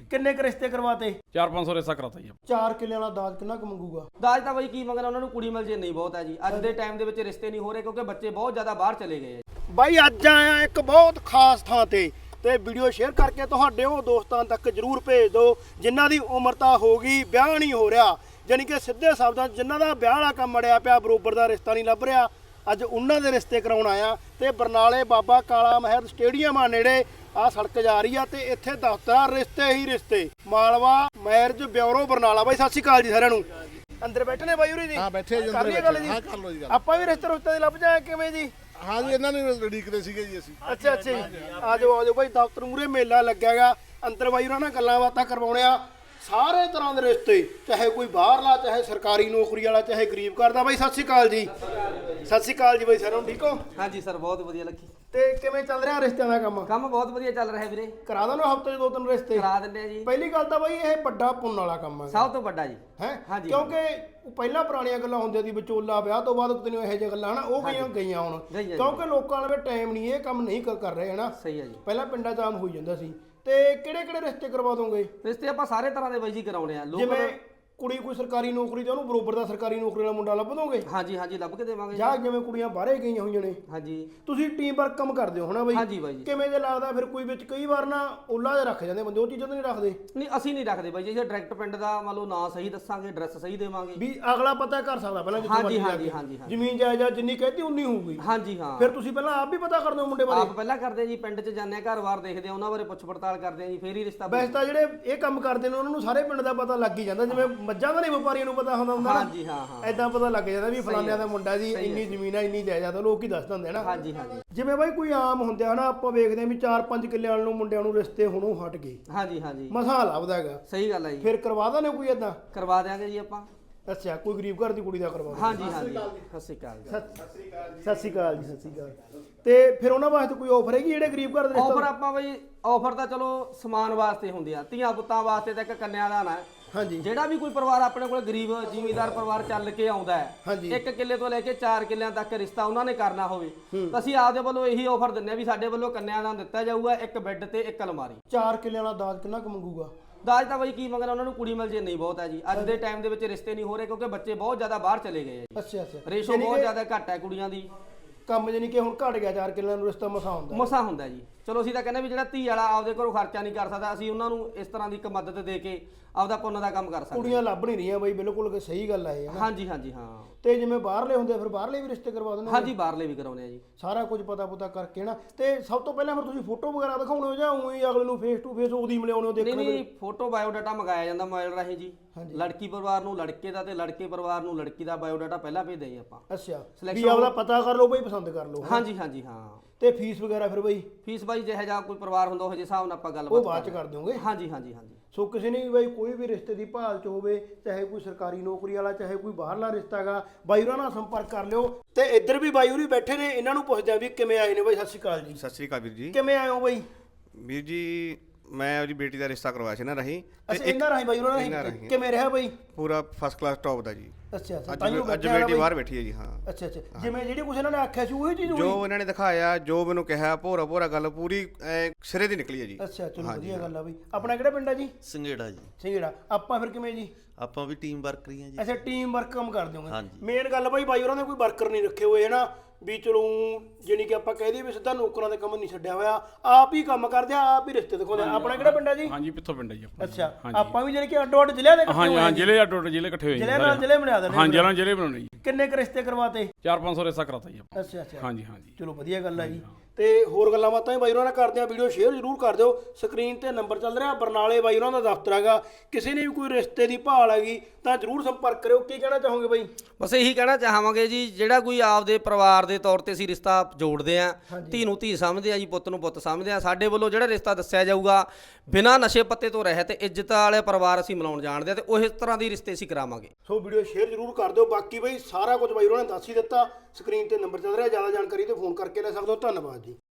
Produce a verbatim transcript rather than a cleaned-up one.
ਕਿੰਨੇ ਕ ਰਿਸ਼ਤੇ ਕਰਵਾਤੇ? ਚਾਰ ਪੰਜ ਸੌ ਰਿਸ਼ਤਾ ਕਰਾਤਾ ਜੀ। ਚਾਰ ਕਿੱਲਿਆਂ ਵਾਲਾ ਦਾਜ ਕਿੰਨਾ ਕੁ ਮੰਗੂਗਾ? ਦਾਜ ਤਾਂ ਬਾਈ ਕੀ ਮੰਗਣਾ, ਉਹਨਾਂ ਨੂੰ ਕੁੜੀ ਮਿਲ ਜੇ ਨਹੀਂ ਬਹੁਤ ਹੈ ਜੀ। ਅੱਜ ਦੇ ਟਾਈਮ ਦੇ ਵਿੱਚ ਰਿਸ਼ਤੇ ਨਹੀਂ ਹੋ ਰਹੇ ਕਿਉਂਕਿ ਬੱਚੇ ਬਹੁਤ ਜ਼ਿਆਦਾ ਬਾਹਰ ਚਲੇ ਗਏ ਆ। ਬਾਈ ਅੱਜ ਆਇਆ ਇੱਕ ਬਹੁਤ ਖਾਸ ਥਾਂ ਤੇ ਤੇ ਵੀਡੀਓ ਸ਼ੇਅਰ ਕਰਕੇ ਤੁਹਾਡੇ ਉਹ ਦੋਸਤਾਂ ਤੱਕ ਜਰੂਰ ਭੇਜ ਦਿਓ ਜਿਨ੍ਹਾਂ ਦੀ ਉਮਰ ਤਾਂ ਹੋ ਗਈ, ਵਿਆਹ ਨਹੀਂ ਹੋ ਰਿਹਾ, ਜਾਨੀ ਕਿ ਸਿੱਧੇ ਸ਼ਬਦਾਂ ਜਿਨ੍ਹਾਂ ਦਾ ਵਿਆਹ ਵਾਲਾ ਕੰਮ ਅੜਿਆ ਪਿਆ, ਬਰੋਬਰ ਦਾ ਰਿਸ਼ਤਾ ਨਹੀਂ ਲੱਭ ਰਿਹਾ। ਅੱਜ ਉਹਨਾਂ ਦੇ ਰਿਸ਼ਤੇ ਕਰਾਉਣ ਆਇਆ ਤੇ ਬਰਨਾਲੇ ਬਾਬਾ ਕਾਲਾ ਮਹਿਰ ਸਟੇਡੀਅਮ ਆ ਨੇੜੇ ਆ ਸੜਕ ਜਾ ਰਹੀ ਆ ਤੇ ਇੱਥੇ ਦਫ਼ਤਰ ਰਿਸ਼ਤੇ ਹੀ ਰਿਸ਼ਤੇ ਮਾਲਵਾ ਮੈਰਿਜ ਬਿਊਰੋ ਬਰਨਾਲਾ। ਬਾਈ ਸਤਿ ਸ਼੍ਰੀ ਅਕਾਲ ਜੀ ਸਾਰਿਆਂ ਨੂੰ। ਅੰਦਰ ਬੈਠੇ ਨੇ ਬਾਈ ਉਰੀ ਜੀ? ਹਾਂ ਬੈਠੇ ਜੀ ਕਰ ਲਈਏ ਗੱਲ ਜੀ? ਹਾਂ ਕਰ ਲਓ ਜੀ ਗੱਲ। ਆਪਾਂ ਵੀ ਰਿਸ਼ਤੇ ਰੁਸ਼ਤੇ ਦੇ ਲੱਭ ਜਾਏ ਕਿਵੇਂ ਜੀ? ਹਾਂ ਜੀ ਇਹਨਾਂ ਨੂੰ ਉਡੀਕਦੇ ਸੀਗੇ ਜੀ ਅਸੀਂ। ਅੱਛਾ ਅੱਛਾ ਜੀ, ਆ ਜਾਓ ਆ ਜਾਓ ਬਾਈ, ਦਫ਼ਤਰ ਮੂਰੇ ਮੇਲਾ ਲੱਗਿਆ ਗਾ। ਅੰਦਰ ਬਾਈ ਉਹਨਾਂ ਨਾਲ ਗੱਲਾਂ ਬਾਤਾਂ ਕਰਵਾਉਣੇ ਆ। ਸਾਰੇ ਤਰ੍ਹਾਂ ਦੇ ਰਿਸ਼ਤੇ, ਚਾਹੇ ਕੋਈ ਬਾਹਰਲਾ, ਚਾਹੇ ਸਰਕਾਰੀ ਨੌਕਰੀ ਵਾਲਾ, ਚਾਹੇ ਗਰੀਬ ਕਰਦਾ। ਬਾਈ ਸਤਿ ਸ਼੍ਰੀ ਅਕਾਲ ਜੀ। ਸਤਿ ਸ਼੍ਰੀ ਅਕਾਲ ਜੀ ਬਾਈ, ਸਾਰਿਆਂ ਨੂੰ ਠੀਕ ਹੋ? ਹਾਂਜੀ ਸਰ, ਬਹੁਤ ਵਧੀਆ ਲੱਗੀ। ਤੇ ਕਿਵੇਂ ਚੱਲ ਰਿਹਾ ਰਿਸ਼ਤਿਆਂ ਦਾ ਕੰਮ? ਕੰਮ ਬਹੁਤ ਵਧੀਆ ਚੱਲ ਰਿਹਾ ਵੀਰੇ। ਕਰਾ ਦੋ ਨਾ ਹਫ਼ਤੇ 'ਚ ਦੋ ਤਿੰਨ ਰਿਸ਼ਤੇ? ਕਰਾ ਦਿੰਦੇ ਆ ਜੀ। ਪਹਿਲੀ ਗੱਲ ਤਾਂ ਬਾਈ ਇਹ ਵੱਡਾ ਪੁੰਨ ਵਾਲਾ ਕੰਮ ਹੈ ਸਭ ਤੋਂ ਵੱਡਾ ਜੀ। ਹੈ ਹਾਂਜੀ। ਕਿਉਂਕਿ ਉਹ ਪਹਿਲਾਂ ਪੁਰਾਣੀਆਂ ਗੱਲਾਂ ਹੁੰਦੀਆਂ ਸੀ, ਵਿਚੋਲਾ ਵਿਆਹ ਤੋਂ ਬਾਅਦ ਕਿਤੇ ਇਹੋ ਜਿਹੀਆਂ ਗੱਲਾਂ ਹਨਾ ਉਹ ਗਈਆਂ ਗਈਆਂ ਹੁਣ, ਗਈਆਂ। ਕਿਉਂਕਿ ਲੋਕਾਂ ਕੋਲ ਟਾਈਮ ਨਹੀਂ, ਇਹ ਕੰਮ ਨਹੀਂ ਕਰ ਕਰ ਰਹੇ ਹਨਾ। ਸਹੀ ਹੈ ਜੀ। ਪਹਿਲਾਂ ਪਿੰਡਾਂ 'ਚ ਆਮ ਹੋਈ ਜਾਂਦਾ ਸੀ। ਤੇ ਕਿਹੜੇ ਕਿਹੜੇ ਰਿਸ਼ਤੇ ਕਰਵਾ ਦੋਗੇ? ਰਿਸ਼ਤੇ ਆਪਾਂ ਸਾਰੇ ਤਰ੍ਹਾਂ ਦੇ ਬਾਈ ਜੀ ਕਰਾਉਣੇ ਆ। ਲੋਕ ਜਿਵੇਂ ਕੁੜੀ ਕੋਈ ਸਰਕਾਰੀ ਨੌਕਰੀ ਤੇ ਉਹਨੂੰ ਬਰੋਬਰ ਦਾ ਸਰਕਾਰੀ ਨੌਕਰੀ ਵਾਲਾ ਮੁੰਡਾ ਲੱਭ ਦੋਗੇ? ਹਾਂਜੀ ਹਾਂਜੀ ਲੱਭ ਕੇ ਦੇਵਾਂਗੇ। ਜਾਂ ਜਿਵੇਂ ਕੁੜੀਆਂ ਬਾਹਰੇ ਗਈਆਂ ਹੋਈਆਂ ਨੇ, ਹਾਂਜੀ ਤੁਸੀਂ ਟੀਮ ਵਰਕ ਕੰਮ ਕਰਦੇ ਹੋ ਹਨਾ ਬਾਈ? ਹਾਂਜੀ ਬਾਈ ਜੀ। ਕਿਵੇਂ ਜੇ ਲੱਗਦਾ ਫਿਰ ਕੋਈ ਵਿੱਚ ਕਈ ਵਾਰ ਨਾ ਓਲਾ ਦੇ ਰੱਖ ਜਾਂਦੇ ਬੰਦੇ, ਉਹ ਚੀਜ਼ਾਂ ਤਾਂ ਨਹੀਂ ਰੱਖਦੇ? ਨਹੀਂ ਅਸੀਂ ਨਹੀਂ ਰੱਖਦੇ ਬਾਈ ਜੀ। ਅਸੀਂ ਡਾਇਰੈਕਟ ਪਿੰਡ ਦਾ ਮੰਨ ਲਓ ਨਾਂ ਸਹੀ ਦੱਸਾਂਗੇ, ਐਡਰੈਸ ਸਹੀ ਦੇਵਾਂਗੇ ਵੀ ਅਗਲਾ ਪਤਾ ਕਰ ਸਕਦਾ ਪਹਿਲਾਂ ਜਿੱਥੇ ਹਾਂਜੀ ਮਰਜ਼ੀ ਜਾ ਹਾਂਜੀ ਕੇ। ਹਾਂਜੀ ਹਾਂਜੀ ਜ਼ਮੀਨ ਜਾਇਦਾਦ ਜਿੰਨੀ ਕਹਤੀ ਉਨੀ ਹੋਊਗੀ। ਹਾਂਜੀ ਹਾਂ। ਫਿਰ ਤੁਸੀਂ ਪਹਿਲਾਂ ਆਪ ਵੀ ਪਤਾ ਕਰਦੇ ਹੋ ਮੁੰਡੇ ਬਾਰੇ? ਆਪ ਪਹਿਲਾਂ ਕਰਦੇ ਆ ਜੀ, ਪਿੰਡ 'ਚ ਜਾਂਦੇ ਆ, ਘਰ-ਬਾਰ ਦੇਖਦੇ ਆ, ਉਹਨਾਂ ਬਾਰੇ ਪੁੱਛ ਪੜਤਾਲ ਕਰਦੇ ਆ ਜੀ, ਫੇਰ ਹੀ ਰਿਸ਼ਤਾ। ਵੈਸੇ ਤਾਂ ਜਿਹੜੇ ਇਹ ਕੰਮ ਕਰਦੇ ਨੇ ਉਹਨਾਂ ਨੂੰ ਸਾਰੇ ਪਿੰਡ ਦਾ ਪਤਾ ਲੱਗ ਹੀ ਜਾਂਦਾ, ਜਿਵੇਂ ਮੱਝਾਂ ਦਾ ਨਹੀਂ ਵਪਾਰੀਆਂ ਨੂੰ ਪਤਾ ਹੁੰਦਾ ਹੁੰਦਾ ਨਾ, ਹਾਂਜੀ ਹਾਂ ਹਾਂ ਐਦਾਂ ਪਤਾ ਲੱਗ ਜਾਂਦਾ ਵੀ ਫਲਾਨਿਆਂ ਦਾ ਮੁੰਡਾ ਜੀ ਇੰਨੀ ਜ਼ਮੀਨ ਆ, ਇੰਨੀ ਜਾਇਦਾਦ ਆ, ਲੋਕ ਹੀ ਦੱਸ ਦਿੰਦੇ ਨਾ। ਹਾਂਜੀ ਹਾਂਜੀ ਜਿਵੇਂ ਬਾਈ ਕੋਈ ਆਮ ਹੁੰਦੇ ਆ ਨਾ, ਆਪਾਂ ਵੇਖਦੇ ਆ ਵੀ ਚਾਰ ਪੰਜ ਕਿੱਲੇ ਵਾਲੇ ਨੂੰ ਮੁੰਡਿਆਂ ਨੂੰ ਰਿਸ਼ਤੇ ਹੁਣੋਂ ਹਟ ਗਏ, ਹਾਂਜੀ ਹਾਂਜੀ ਮਸਾਂ ਲੱਭਦਾ ਹੈਗਾ। ਸਹੀ ਗੱਲ ਹੈ ਜੀ। ਫਿਰ ਕਰਵਾ ਦਾਂ ਕੋਈ ਏਦਾਂ? ਕਰਵਾ ਦਿਆਂਗੇ ਜੀ ਆਪਾਂ। ਅੱਛਾ, ਕੋਈ ਗਰੀਬ ਘਰ ਦੀ ਕੁੜੀ ਦਾ ਕਰਵਾ ਦੋ? ਹਾਂਜੀ ਹਾਂਜੀ ਸਤਿ ਸ਼੍ਰੀ ਅਕਾਲ ਜੀ। ਸਤਿ ਸ਼੍ਰੀ ਅਕਾਲ ਜੀ। ਸਤਿ ਸ਼੍ਰੀ ਅਕਾਲ। ਤੇ ਫਿਰ ਉਹਨਾਂ ਵਾਸਤੇ ਕੋਈ ਆਫਰ ਹੈਗੀ ਜਿਹੜੇ ਗਰੀਬ ਘਰ ਦੇ ਆਫਰ ਰਿਸ਼ਤਾ? ਆਪਾਂ ਬਈ ਆਫਰ ਤਾਂ ਚਲੋ ਸਮਾਨ ਵਾਸਤੇ ਹੁੰਦੀ ਆ, ਧੀਆਂ ਪੁੱਤਾਂ ਵਾਸਤੇ ਤਾਂ ਇੱਕ ਕੰਨਿਆਦਾਨ ਹੈ। ਹਾਂਜੀ। ਜਿਹੜਾ ਵੀ ਕੋਈ ਪਰਿਵਾਰ ਆਪਣੇ ਕੋਲ ਗਰੀਬ ਜ਼ਿਮੀਂਦਾਰ ਪਰਿਵਾਰ ਚੱਲ ਕੇ ਆਉਂਦਾ ਹੈ, ਹਾਂਜੀ। ਇੱਕ ਕਿੱਲੇ ਤੋਂ ਲੈ ਕੇ ਚਾਰ ਕਿੱਲਿਆਂ ਤੱਕ ਰਿਸ਼ਤਾ ਉਹਨਾਂ ਨੇ ਕਰਨਾ ਹੋਵੇ ਤਾਂ ਅਸੀਂ ਆਪਦੇ ਵੱਲੋਂ ਇਹੀ ਆਫਰ ਦਿੰਨੇ ਆ ਵੀ ਸਾਡੇ ਵੱਲੋਂ ਕੰਨਿਆਦਾਨ ਦਿੱਤਾ ਜਾਊਗਾ, ਇੱਕ ਬੈੱਡ ਤੇ ਇੱਕ ਅਲਮਾਰੀ। ਚਾਰ ਕਿੱਲਿਆਂ ਵਾਲਾ ਦਾਜ ਕਿੰਨਾ ਕੁ ਮੰਗੂਗਾ? ਦਾਜ ਤਾਂ ਬਾਈ ਕੀ ਮੰਗਣਾ, ਉਹਨਾਂ ਨੂੰ ਕੁੜੀ ਮਿਲ ਜੇ ਨਹੀਂ ਬਹੁਤ ਹੈ ਜੀ। ਅੱਜ ਦੇ ਟਾਈਮ ਦੇ ਵਿੱਚ ਰਿਸ਼ਤੇ ਨਹੀਂ ਹੋ ਰਹੇ ਕਿਉਂਕਿ ਬੱਚੇ ਬਹੁਤ ਜ਼ਿਆਦਾ ਬਾਹਰ ਚਲੇ ਗਏ ਆ ਜੀ। ਅੱਛਾ ਅੱਛਾ। ਰੇਸ਼ੋ ਬਹੁਤ ਜ਼ਿਆਦਾ ਘੱਟ ਹੈ ਕੁੜੀਆਂ ਦੀ। ਕੰਮ ਜਾਨੀ ਕਿ ਹੁਣ ਘਟ ਗਿਆ, ਚਾਰ ਕਿੱਲਿਆਂ ਨੂੰ ਰਿਸ਼ਤਾ ਮਸਾ ਹੁੰਦਾ। ਮਸਾ ਹੁੰਦਾ ਜੀ। ਚਲੋ ਅਸੀਂ ਤਾਂ ਕਹਿੰਦੇ ਵੀ ਜਿਹੜਾ ਧੀ ਵਾਲਾ ਆਪਦੇ ਘਰੋਂ ਖਰਚਾ ਨਹੀਂ ਕਰ ਸਕਦਾ, ਅਸੀਂ ਉਹਨਾਂ ਨੂੰ ਇਸ ਤਰ੍ਹਾਂ ਦੀ ਇੱਕ ਮਦਦ ਦੇ ਕੇ ਆਪਦਾ ਪੁੰਨ ਦਾ ਕੰਮ ਕਰ ਸਕਦੇ। ਕੁੜੀਆਂ ਲੱਭ ਨਹੀਂ ਰਹੀਆਂ ਬਾਈ, ਬਿਲਕੁਲ ਸਹੀ ਗੱਲ ਆ ਇਹ ਹਨਾ। ਹਾਂਜੀ ਹਾਂਜੀ ਹਾਂ। ਤੇ ਜਿਵੇਂ ਬਾਹਰਲੇ ਹੁੰਦੇ ਆ ਫਿਰ ਬਾਹਰਲੇ ਵੀ ਰਿਸ਼ਤੇ ਕਰਵਾ ਦਿੰਦੇ? ਹਾਂਜੀ ਬਾਹਰਲੇ ਵੀ ਕਰਾਉਣੇ ਆ ਜੀ। ਸਾਰਾ ਕੁਝ ਪਤਾ ਪੁਤਾ ਕਰਕੇ ਨਾ। ਤੇ ਸਭ ਤੋਂ ਪਹਿਲਾਂ ਫਿਰ ਤੁਸੀਂ ਫੋਟੋ ਵਗੈਰਾ ਦਿਖਾਉਣੇ ਹੋ ਜਾਂ ਉਵੇਂ ਅਗਲੇ ਨੂੰ ਫੇਸ ਟੂ ਫੇਸ ਉਹਦੀ ਮਿਲਾਉਣੇ ਹੋ? ਨਹੀਂ ਦੇਖਣ ਨਹੀਂ, ਫੋਟੋ ਬਾਇਓਡਾਟਾ ਮੰਗਾਇਆ ਜਾਂਦਾ ਮੋਬਾਈਲ ਰਾਹੀਂ ਜੀ। ਹਾਂਜੀ। ਲੜਕੀ ਪਰਿਵਾਰ ਨੂੰ ਲੜਕੇ ਦਾ ਤੇ ਲੜਕੇ ਪਰਿਵਾਰ ਨੂੰ ਲੜਕੀ ਦਾ ਬਾਇਓਡਾਟਾ ਪਹਿਲਾਂ ਭੇਜਦੇ ਜੀ ਆਪਾਂ। ਅੱਛਾ, Selection ਵੀ ਆਪਦਾ ਪਤਾ ਕਰ ਲਓ ਬਾਈ, ਪਸੰਦ ਕਰ ਲਓ। ਹਾਂਜੀ ਹਾਂਜੀ ਹਾਂ। ਤੇ ਫੀਸ ਵਗੈਰਾ ਫਿਰ ਬਾਈ? ਫੀਸ ਬਾਈ ਜਿਹੋ ਜਿਹਾ ਕੋਈ ਪਰਿਵਾਰ ਹੁੰਦਾ ਉਹ ਜਿਹੇ ਹਿਸਾਬ ਨਾਲ ਆਪਾਂ ਉਹ ਗੱਲਬਾਤ ਬਾਅਦ ਚ ਕਰ ਦਿਓਗੇ? ਹਾਂਜੀ ਹਾਂਜੀ ਹਾਂਜੀ। ਸੋ ਕਿਸੇ ਨੇ ਵੀ ਬਾਈ ਕੋਈ ਵੀ ਰਿਸ਼ਤੇ ਦੀ ਭਾਲ ਚ ਹੋਵੇ, ਚਾਹੇ ਕੋਈ ਸਰਕਾਰੀ ਨੌਕਰੀ ਵਾਲਾ, ਚਾਹੇ ਕੋਈ ਬਾਹਰਲਾ ਰਿਸ਼ਤਾ ਹੈਗਾ, ਬਾਈ ਉਹਨਾਂ ਨਾਲ ਸੰਪਰਕ ਕਰ ਲਿਓ। ਤੇ ਇੱਧਰ ਵੀ ਬਾਈ ਹੋਰੀ ਬੈਠੇ ਨੇ, ਇਹਨਾਂ ਨੂੰ ਪੁੱਛਦੇ ਆ ਵੀ ਕਿਵੇਂ ਆਏ ਨੇ ਬਾਈ। ਸਤਿ ਸ਼੍ਰੀ ਅਕਾਲ ਜੀ। ਸਤਿ ਸ੍ਰੀ ਅਕਾਲ ਵੀਰ ਜੀ। ਕਿਵੇਂ ਆਏ ਹੋ ਬਾਈ? ਵੀਰ ਜੀ ਮੈਂ ਉਹਦੀ ਬੇਟੀ ਦਾ ਰਿਸ਼ਤਾ ਕਰਵਾਇਆ ਸੀ ਨਾ ਰਹੀ। ਅੱਛਾ, ਇਹਨਾਂ ਰਾਹੀਂ ਬਾਈ ਉਹਨਾਂ ਰਾਹੀਂ ਕਿਵੇਂ ਰਿਹਾ ਬਾਈ? ਪੂਰਾ ਫਸਟ ਕਲਾਸ ਟੌਪ ਦਾ ਜੀ। ਅੱਛਾ ਅੱਛਾ। ਅੱਜ ਅੱਜ ਬੇਟੀ ਬਾਹਰ ਬੈਠੀ ਹੈ ਜੀ। ਹਾਂ ਅੱਛਾ ਅੱਛਾ। ਜਿਵੇਂ ਜਿਹੜੀ ਕੁਛ ਇਹਨਾਂ ਨੇ ਆਖਿਆ ਸੀ ਉਹੀ ਚੀਜ਼ ਹੋਈ? ਜੋ ਇਹਨਾਂ ਨੇ ਦਿਖਾਇਆ, ਜੋ ਮੈਨੂੰ ਕਿਹਾ, ਭੋਰਾ ਭੋਰਾ ਗੱਲ ਪੂਰੀ ਸਿਰੇ ਦੀ ਨਿਕਲੀ ਹੈ ਜੀ। ਅੱਛਾ ਚਲੋ ਵਧੀਆ ਗੱਲ ਆ ਬਾਈ। ਆਪਣਾ ਕਿਹੜਾ ਪਿੰਡ ਆ ਜੀ? ਸੰਘੇੜਾ ਜੀ। ਸੰਘੇੜਾ। ਆਪਾਂ ਫਿਰ ਕਿਵੇਂ ਜੀ? ਆਪਾਂ ਵੀ ਟੀਮ ਵਰਕਰ ਹੀ ਆ ਜੀ। ਅੱਛਾ, ਟੀਮ ਵਰਕ ਕੰਮ ਕਰਦੇ ਹੋਗੇ? ਹਾਂਜੀ। ਮੇਨ ਗੱਲ ਬਾਈ, ਬਾਈ ਉਹਨਾਂ ਨੇ ਕੋਈ ਵਰਕਰ ਨਹੀਂ ਰੱਖੇ ਹੋਏ ਹਨਾ, ਵੀ ਚਲੋ ਜਾਨੀ ਕਿ ਆਪਾਂ ਕਹਿ ਦਈਏ ਵੀ ਸਿੱਧਾ ਨੌਕਰਾਂ ਦੇ ਕੰਮ ਨਹੀਂ ਛੱਡਿਆ ਹੋਇਆ, ਆਪ ਹੀ ਕੰਮ ਕਰਦੇ ਆ, ਆਪ ਹੀ ਰਿਸ਼ਤੇ ਦਿਖਾਉਂਦੇ ਆ। ਆਪਣਾ ਕਿਹੜਾ ਪਿੰਡ ਆ ਜੀ? ਹਾਂਜੀ ਪਿੱਥੋਂ ਪਿੰਡ ਹੈ ਜੀ ਆਪਣਾ। ਅੱਛਾ, ਆਪਾਂ ਵੀ ਜਾਨੀ ਕਿ ਅੱਡੋ ਅੱਡ ਜ਼ਿਲ੍ਹਿਆਂ ਦੇ ਇਕੱਠੇ ਹਾਂਜੀ ਹੋਏ ਹਾਂ, ਆ ਜੀ? ਜ਼ਿਲ੍ਹੇ ਅੱਡੋ ਅੱਡ ਜ਼ਿਲ੍ਹੇ ਇਕੱਠੇ ਹੋਏ ਜੀ। ਜ਼ਿਲ੍ਹੇ ਨਾਲ ਜ਼ਿਲ੍ਹੇ ਬਣਾ ਦਿੰਦੇ? ਹਾਂ, ਜ਼ਿਲ੍ਹੇ ਨਾਲ ਜ਼ਿਲ੍ਹੇ ਬਣਾਉਣੇ ਜੀ। ਕਿੰਨੇ ਕੁ ਰਿਸ਼ਤੇ ਕਰਵਾਤੇ? ਚਾਰ ਪੰਜ ਸੌ ਰਿਸ਼ਤਾ ਕਰਾਤਾ ਜੀ। ਅੱਛਾ ਅੱਛਾ। ਹਾਂਜੀ ਹਾਂਜੀ। ਚਲੋ ਵਧੀਆ ਗੱਲ ਆ ਜੀ। ਤੇ ਹੋਰ ਗੱਲਾਂ ਬਾਤਾਂ ਬਾਈ ਉਹਨਾਂ ਨਾਲ ਕਰਦੇ ਆ, ਵੀਡੀਓ ਸ਼ੇਅਰ ਜ਼ਰੂਰ ਕਰ ਦਿਓ। ਸਕਰੀਨ ਤੇ ਨੰਬਰ ਚੱਲ ਰਿਹਾ, ਬਰਨਾਲੇ ਬਾਈ ਉਹਨਾਂ ਦਾ ਦਫ਼ਤਰ ਹੈਗਾ। ਕਿਸੇ ਨੇ ਵੀ ਕੋਈ ਰਿਸ਼ਤੇ ਦੀ ਭਾਲ ਹੈਗੀ ਤਾਂ ਜ਼ਰੂਰ ਸੰਪਰਕ ਕਰਿਓ। ਕੀ ਕਹਿਣਾ ਚਾਹੋਗੇ ਬਾਈ? ਬਸ ਇਹੀ ਕਹਿਣਾ ਚਾਹਾਂਗੇ ਜੀ, ਜਿਹੜਾ ਕੋਈ ਆਪਦੇ ਪਰਿਵਾਰ ਦੇ ਤੌਰ ਤੇ ਅਸੀਂ ਰਿਸ਼ਤਾ ਜੋੜਦੇ ਆ, ਧੀ ਨੂੰ ਧੀ ਸਮਝਦੇ ਆ ਜੀ, ਪੁੱਤ ਨੂੰ ਪੁੱਤ ਸਮਝਦੇ ਆ। ਸਾਡੇ ਵੱਲੋਂ ਜਿਹੜਾ ਰਿਸ਼ਤਾ ਦੱਸਿਆ ਜਾਊਗਾ ਬਿਨਾਂ ਨਸ਼ੇ ਪੱਤੇ ਤੋਂ ਰਹਿਤ ਇੱਜ਼ਤ ਵਾਲੇ ਪਰਿਵਾਰ ਅਸੀਂ ਮਿਲਾਉਣ ਜਾਣਦੇ ਆ ਤੇ ਉਹ ਇਸ ਤਰ੍ਹਾਂ ਦੀ ਰਿਸ਼ਤੇ ਅਸੀਂ ਕਰਾਵਾਂਗੇ। ਸੋ ਵੀਡੀਓ ਸ਼ੇਅਰ ਜ਼ਰੂਰ ਕਰ ਦਿਓ। ਬਾਕੀ ਬਾਈ ਸਾਰਾ ਕੁਝ ਬਾਈ ਉਹਨਾਂ ਨੇ ਦੱਸ ਹੀ ਦਿੱਤਾ। ਸਕਰੀਨ ਤੇ ਨੰਬਰ ਚੱਲ ਰਿਹਾ, ਜ਼ਿਆਦਾ ਜਾਣਕਾਰੀ ਤੇ ਫੋਨ ਕਰਕੇ ਲੈ ਸਕਦੇ ਹੋ। ਧੰਨਵਾਦ ਜੀ।